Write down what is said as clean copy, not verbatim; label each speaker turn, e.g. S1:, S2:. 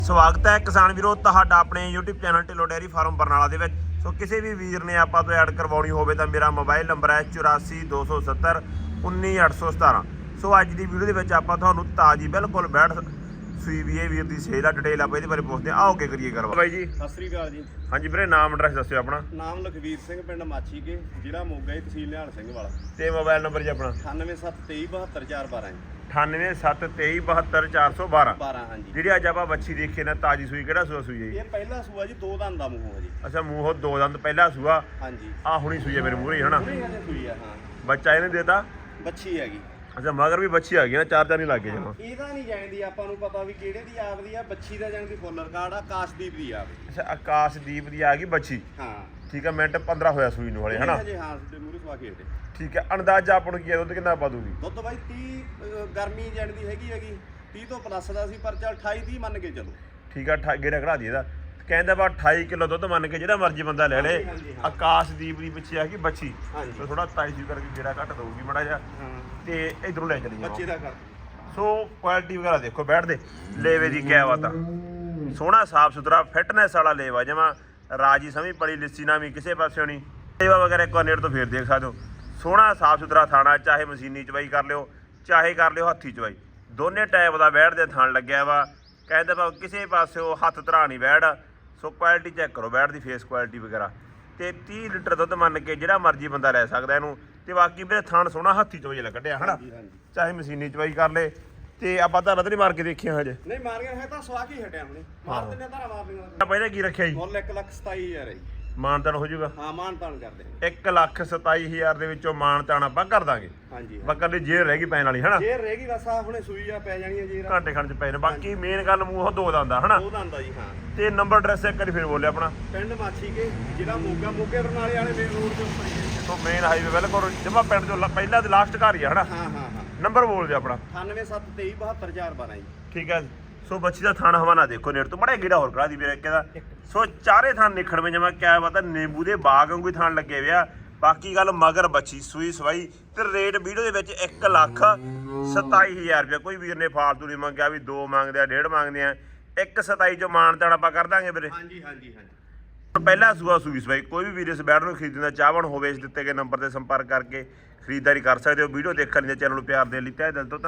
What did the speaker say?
S1: ਸਵਾਗਤ ਹੈ ਕਿਸਾਨ ਵੀਰੋ ਤੁਹਾਡਾ ਆਪਣੇ YouTube channel Dhillon dairy farm Barnala ਦੇ ਵਿੱਚ। ਸੋ ਕਿਸੇ ਵੀ ਵੀਰ ਨੇ ਆਪਾਂ ਤੋਂ ਐਡ ਕਰਵਾਉਣੀ ਹੋਵੇ ਤਾਂ ਮੇਰਾ ਮੋਬਾਈਲ ਨੰਬਰ ਹੈ 84 270 19817। ਸੋ ਅੱਜ ਦੀ ਵੀਡੀਓ ਦੇ ਵਿੱਚ ਆਪਾਂ ਤੁਹਾਨੂੰ ਤਾਜੀ ਬਿਲਕੁਲ ਬੈਠ ਸੂਈ ਵੀ ਇਹ ਵੀਰ ਦੀ ਸੇਲ ਆ, ਡਿਟੇਲ ਆਪਾਂ ਇਹਦੇ ਬਾਰੇ ਪੁੱਛਦੇ ਆ। ਆਓ ਅੱਗੇ ਕਰੀਏ ਗੱਲਬਾਤ। ਬਾਈ ਜੀ
S2: ਸਤਿ ਸ੍ਰੀ ਅਕਾਲ ਜੀ। ਹਾਂਜੀ
S1: ਵੀਰੇ, ਨਾਮ ਐਡਰੈਸ ਦੱਸਿਓ ਆਪਣਾ।
S2: ਨਾਮ ਲਖਵੀਰ ਸਿੰਘ, ਪਿੰਡ ਮਾਛੀ ਕੇ, ਜ਼ਿਲ੍ਹਾ ਮੋਗਾ, ਤਹਿਸੀਲ ਨਿਹਾਲ ਸਿੰਘ ਵਾਲਾ।
S1: ਤੇ ਮੋਬਾਈਲ ਨੰਬਰ ਜੀ ਆਪਣਾ
S2: 9773272412
S1: 9873272412।
S2: 12 ਹਾਂਜੀ।
S1: ਜਿਹੜੀ ਅੱਜ ਆਪਾਂ ਬੱਚੀ ਦੇਖੀ ਨਾ ਤਾਜੀ ਸੂਈ, ਕਿਹੜਾ ਸੂਆ ਸੂਈ ਹੈ ਜੀ?
S2: ਇਹ ਪਹਿਲਾ ਸੂਆ ਜੀ, ਦੋ ਦੰਦ ਦਾ ਮੂੰਹ ਹੈ ਜੀ।
S1: ਅੱਛਾ, ਮੂੰਹੋਂ ਦੋ ਦੰਦ ਪਹਿਲਾ ਸੂਆ।
S2: ਹਾਂਜੀ,
S1: ਆ ਹੁਣੀ ਸੂਈ ਹੈ ਮੇਰੇ ਮੂਹਰੇ ਹਨਾ।
S2: ਹੁਣੇ ਸੂਈ ਆ। ਹਾਂ,
S1: ਬੱਚਾ ਇਹਨੇ ਦੇਤਾ।
S2: ਬੱਚੀ ਹੈਗੀ।
S1: ਅੱਛਾ, ਮਗਰ ਵੀ ਬੱਚੀ ਆ ਗਈ ਨਾ, ਚਾਰ ਨਹੀਂ ਲੱਗੇ ਜਮਾ।
S2: ਇਹਦਾ ਨਹੀਂ ਜਾਣਦੀ ਆਪਾਂ ਨੂੰ ਪਤਾ ਵੀ ਕਿਹੜੇ ਦੀ ਆਪਦੀ ਆ। ਬੱਚੀ ਦਾ ਜਾਣਦੀ ਫੁੱਲ ਰਿਕਾਰਡ ਆ, ਆਕਾਸ਼ਦੀਪ ਦੀ ਆ।
S1: ਅੱਛਾ, ਆਕਾਸ਼ਦੀਪ ਦੀ ਆ ਗਈ ਬੱਚੀ।
S2: ਹਾਂ
S1: ਠੀਕ ਹੈ, ਮਿੰਟ 15 ਹੋਇਆ ਸੂਈ ਨੂੰ ਹਲੇ ਹਨਾ।
S2: ਜੀ ਹਾਂ, ਤੇ ਮੂਰੇ ਸਵਾ ਕੇ ਹਟੇ।
S1: ਠੀਕ ਹੈ, ਅੰਦਾਜ਼ਾ ਆਪਾਂ ਨੂੰ ਕੀ ਹੈ ਦੁੱਧ ਕਿੰਨਾ ਪਾ ਦੂਗੀ?
S2: ਦੁੱਧ ਬਾਈ 30 ਗਰਮੀ ਜਾਣਦੀ ਹੈਗੀ 30 ਤੋਂ ਪਲੱਸ ਦਾ ਸੀ, ਪਰ ਚੱਲ 28-30 ਮੰਨ ਕੇ ਚਲੋ।
S1: ਠੀਕ ਹੈ, ਗੇੜਾ ਖੜਾ ਦੀ ਇਹਦਾ। ਕਹਿੰਦਾ ਬਾ 28 ਕਿਲੋ ਦੁੱਧ ਮੰਨ ਕੇ ਜਿਹੜਾ ਮਰਜ਼ੀ ਬੰਦਾ ਲੈ ਲੇ। ਆਕਾਸ਼ਦੀਪ ਦੀ ਪਿੱਛੇ ਆ ਗਈ ਬੱਚੀ। ਤੇ ਥੋੜਾ ਤਾਜੀ ਕਰਕੇ ਗੇੜਾ ਘੱਟ ਦਊਗੀ ਮਾੜਾ ਜਿਹਾ। ਤੇ ਇਧਰੋਂ ਲੈ ਚਲੀ
S2: ਬੱਚੇ ਦਾ ਕਰ।
S1: ਸੋ ਕੁਆਲਿਟੀ ਵਗੈਰਾ ਦੇਖੋ, ਬੈਠਦੇ ਲੇਵੇ ਦੀ ਕਿਆ ਬਾਤ ਆ। ਸੋਹਣਾ ਸਾਫ ਸੁਥਰਾ ਫਿਟਨੈਸ ਵਾਲਾ ਲੇਵਾ, ਜਮਾ ਰਾਜੀ ਸਮੀ ਪੜੀ ਲਿੱਸੀ ਨਾ ਵੀ ਕਿਸੇ ਪਾਸਿਓਂ ਨਹੀਂ। ਲੇਵਾ ਵਗੈਰਾ ਇੱਕ ਵਾਰ ਨੇੜ ਤੋਂ ਫੇਰ ਦੇਖ ਸਕਦੇ ਹੋ। ਸੋਹਣਾ ਸਾਫ ਸੁਥਰਾ ਥਾਣਾ, ਚਾਹੇ ਮਸ਼ੀਨੀ ਚਵਾਈ ਕਰ ਲਿਓ ਚਾਹੇ ਕਰ ਲਿਓ ਹੱਥੀ ਚਵਾਈ, ਦੋਨੇ ਟਾਈਪ ਦਾ ਬੈਠਦੇ ਥਣ ਲੱਗਿਆ ਵਾ। ਕਹਿੰਦੇ ਭਾਵੇਂ ਕਿਸੇ ਪਾਸਿਓ ਹੱਥ ਧਰਾ ਨਹੀਂ ਬੈਠ। ਸੋ ਕੁਆਲਿਟੀ ਚੈੱਕ ਕਰੋ ਬੈਠ ਦੀ, ਫੇਸ ਕੁਆਲਿਟੀ ਵਗੈਰਾ। ਤੇ 30 ਲੀਟਰ ਦੁੱਧ ਮੰਨ ਕੇ ਜਿਹੜਾ ਮਰਜ਼ੀ ਬੰਦਾ ਲੈ ਸਕਦਾ ਇਹਨੂੰ। ਤੇ ਬਾਕੀ ਵੀਰੇ ਥਣ ਸੋਹਣਾ ਹੱਥੀ ਚਵਾਈ ਵਾਲਾ ਕੱਢਿਆ ਹਨਾ, ਚਾਹੇ ਮਸ਼ੀਨੀ ਚਵਾਈ ਕਰ ਲੇ। ਤੇ ਆਪਾਂ ਤਾਂ ਨਹੀਂ ਮਾਰ ਕੇ ਦੇਖੀਆਂ ਹਜੇ।
S2: ਨਹੀਂ ਮਾਰੀਆਂ ਹੈ ਤਾਂ ਸਵਾ ਕੇ ਹੀ ਹਟਿਆ ਹੁਣੇ। ਮਾਰ ਦਿੰਦੇ ਧਾਰਾ ਮਾਰ ਦਿੰਦੇ।
S1: ਆਪਾਂ ਇਹਦਾ ਕੀ ਰੱਖਿਆ ਜੀ?
S2: ਮੁੱਲ 1,27,000 ਹੈ ਜੀ।
S1: ਮਾਨਤਾਨ ਹੋ ਜਾਊਗਾ?
S2: ਹਾਂ, ਮਾਨਤਾਨ ਕਰਦੇ
S1: 1,27,000 ਦੇ ਵਿੱਚੋਂ ਮਾਨਤਾਨ ਆਪਾਂ ਕਰ ਦਾਂਗੇ।
S2: ਹਾਂਜੀ,
S1: ਬੱਕਰ ਦੀ ਜੇਰ ਰਹਿ ਗਈ ਪੈਣ ਵਾਲੀ ਹਨਾ।
S2: ਜੇਰ ਰਹਿ ਗਈ ਬਸ, ਆ ਹੁਣੇ ਸੂਈ ਆ ਪੈ ਜਾਣੀ ਹੈ ਜੇਰ।
S1: ਘੰਟੇ ਖੰਡ ਚ ਪੈ ਨੇ। ਬਾਕੀ ਮੇਨ ਗੱਲ ਮੂੰਹ ਦੋ ਦੰਦਾ ਹਨਾ।
S2: ਦੋ ਦੰਦਾ ਜੀ। ਹਾਂ,
S1: ਤੇ ਨੰਬਰ ਐਡਰੈਸ ਇੱਕ ਵਾਰੀ ਫਿਰ ਬੋਲਿਆ ਆਪਣਾ।
S2: ਪਿੰਡ ਮਾਛੀ ਕੇ, ਜ਼ਿਲ੍ਹਾ ਮੋਗਾ, ਮੋਗੇ ਬਰਨਾਲੇ ਵਾਲੇ ਮੇਨ ਰੋਡ ਦੇ ਉੱਪਰ ਹੀ ਹੈ।
S1: ਸੋ ਮੇਨ ਹਾਈਵੇ ਬਿਲਕੁਲ ਜਮਾ ਪਿੰਡ ਤੋਂ ਪਹਿਲਾਂ ਤੇ ਲਾਸਟ ਘਰ ਹੀ ਆ ਹਨਾ।
S2: ਹਾਂ ਹਾਂ ਹਾਂ।
S1: ਨੰਬਰ ਬੋਲ ਦਿਓ ਆਪਣਾ।
S2: 9773272412 ਜੀ।
S1: ਠੀਕ ਹੈ। ਸੋ ਬੱਚੀ ਦਾ ਥਾਣਾ ਹਵਾਨਾ ਦੇਖੋ ਨੇੜ ਤੋਂ, ਮੜਾ ਗੇੜਾ ਹੋਰ ਕਰਾ ਦੀ ਵੀਰੇ ਦਾ। ਸੋ ਚਾਰੇ ਥਾਂ ਨਿਖੜਵੇਂ ਜਮਾ ਕਿਆ ਪਤਾ ਨਿੰਬੂ ਦੇ ਬਾਗ ਵਾਂਗੂ ਹੀ ਥਾਣ ਲੱਗੇ ਵਿਆ। ਬਾਕੀ ਗੱਲ ਮਗਰ ਬੱਚੀ ਸੂਈ ਸਵਾਈ ਤੇ ਰੇਟ ਵੀਡੀਓ ਦੇ ਵਿੱਚ 1,27,000 ਰੁਪਏ। ਕੋਈ ਵੀਰ ਨੇ ਫਾਲਤੂ ਨਹੀਂ ਮੰਗਿਆ ਵੀ 2 ਮੰਗਦੇ ਆ 1.5 ਮੰਗਦੇ ਆ। 1,27,000 ਚੋਂ ਮਾਨਤਾਨ ਆਪਾਂ ਕਰ ਦਾਂਗੇ ਵੀਰੇ।
S2: ਹਾਂਜੀ ਹਾਂਜੀ ਹਾਂਜੀ।
S1: ਪਹਿਲਾ ਸੂਆ ਸੂਈ ਸਵਾਈ। ਕੋਈ ਵੀ ਵੀਰ ਇਸ ਬੈਡ ਨੂੰ ਖਰੀਦਣ ਦਾ ਚਾਹਵਾਨ ਹੋਵੇ, ਇਸ ਦਿੱਤੇ ਗਏ ਨੰਬਰ ਤੇ ਸੰਪਰਕ ਕਰਕੇ ਖਰੀਦਦਾਰੀ ਕਰ ਸਕਦੇ ਹੋ। ਵੀਡੀਓ ਦੇਖਣ ਲਈ ਚੈਨਲ ਨੂੰ ਪਿਆਰ ਦੇਣ ਲਈ ਤਹਿ ਦਿਲ ਤੋਂ